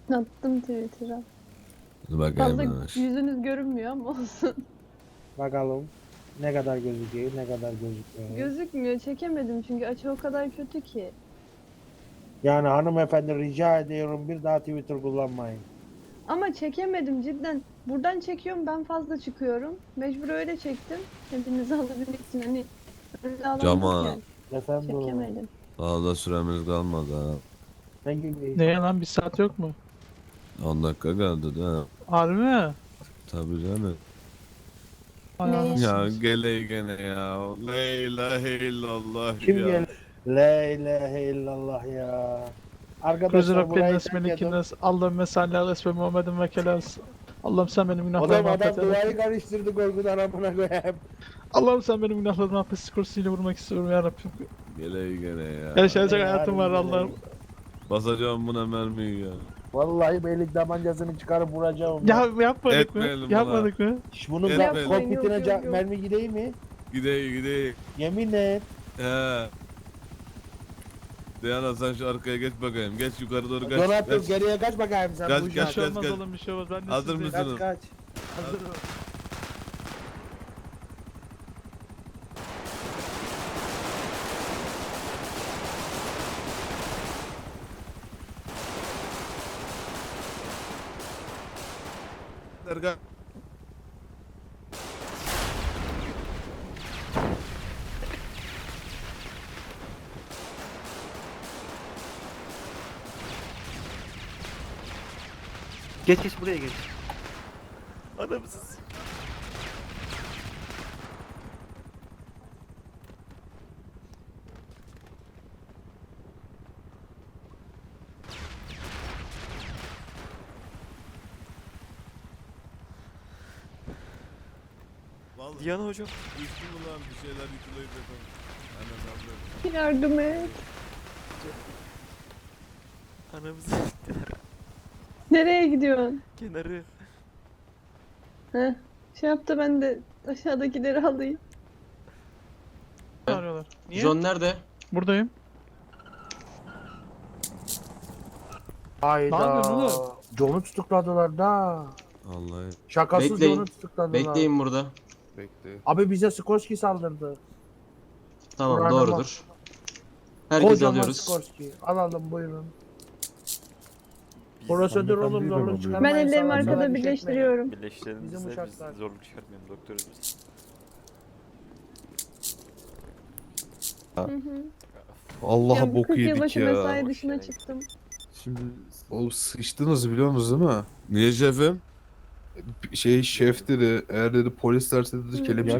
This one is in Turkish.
Attım Twitter'a. Dur bakayım. Fazla Yavaş. yüzünüz görünmüyor ama olsun. Bakalım ne kadar gözüküyor, ne kadar gözükmüyor. Gözükmüyor. Çekemedim çünkü açı o kadar kötü ki. Yani hanımefendi rica ediyorum bir daha Twitter kullanmayın. Ama çekemedim cidden. Buradan çekiyorum ben fazla çıkıyorum. Mecbur öyle çektim. Hepinizi alabilmek için hani öyle Cama. alamazken Efendim çekemedim. Fazla süremiz kalmadı ha. ne gibi? Neye lan bir saat yok mu? 10 dakika kaldı da. Harbi mi? Tabii canım. Ay Neye? anasını Ya satayım. gele gene ya. La ilahe illallah Kim ya. gel? La ilahe illallah ya. Kuzura Arkadaşlar burayı pennes terk edin. melikines. Allahümme salli ala esme Muhammedin ve kelas. Allah'ım sen benim günahlarımı Adam affet. duayı karıştırdı korkudan amına koyayım. Allah'ım sen benim günahlarımı affet. Skorsiyle vurmak istiyorum ya Rabbim. Gele gene ya. Yaşayacak Ya, hayatım var harbiden Allah'ım. Basacağım buna mermiyi ya. Vallahi beylik tabancasını çıkarıp vuracağım. Ya yapmadık mı? Etmeyelim Yapmadık mı? Bunun Etmeyelim. kokpitine Yok, yok. mermi gideyim mi? Gideyim. Yemin et. He. Diana sen şu arkaya geç bakayım. Geç yukarı doğru kaç. Donat dur Kaç. geriye kaç bakayım sen Kaç, bu Bir uşak. şey kaç, olmaz kaç. oğlum bir şey olmaz. Ben de Hazır sizdeyim. mısın? Kaç kaç. Hazırım. Erkan. Geç geç buraya geç. Anamsız. Vallahi Diana hocam. düştü mü lan bir şeyler yıkılıyor dedim. Aynen aldım. Yardım et. Anamızı siktiler. Nereye gidiyorsun? Kenarı. Heh. Şey yaptı ben de aşağıdakileri alayım. Arıyorlar. Niye? John nerede? Buradayım. Ne Hayda. yapıyorsun oğlum? John'u tutukladılar da. Vallahi. Şakasız Bekleyin. John'u tutukladılar. Bekleyin burada. Bekle. Abi bize Skorsky saldırdı. Tamam Buranın doğrudur. Herkes Kocaman alıyoruz. Skorsky. Alalım buyurun. Prosedür oğlum zorluk Ben çıkarmayın. ellerimi salak salak arkada iş etmeyin. birleştiriyorum. Birleştirelim Bizim biz uşaklar. zorluk çıkartmayalım doktoruz biz. Hı hı. Allah'a Ya bu bok 40 yedik yılbaşı ya. mesai Boş dışına yere. çıktım. Şimdi o sıçtınız biliyor musunuz değil mi? Niye şefim? Şey şef dedi eğer dedi polis derse dedi Hı. kelepçe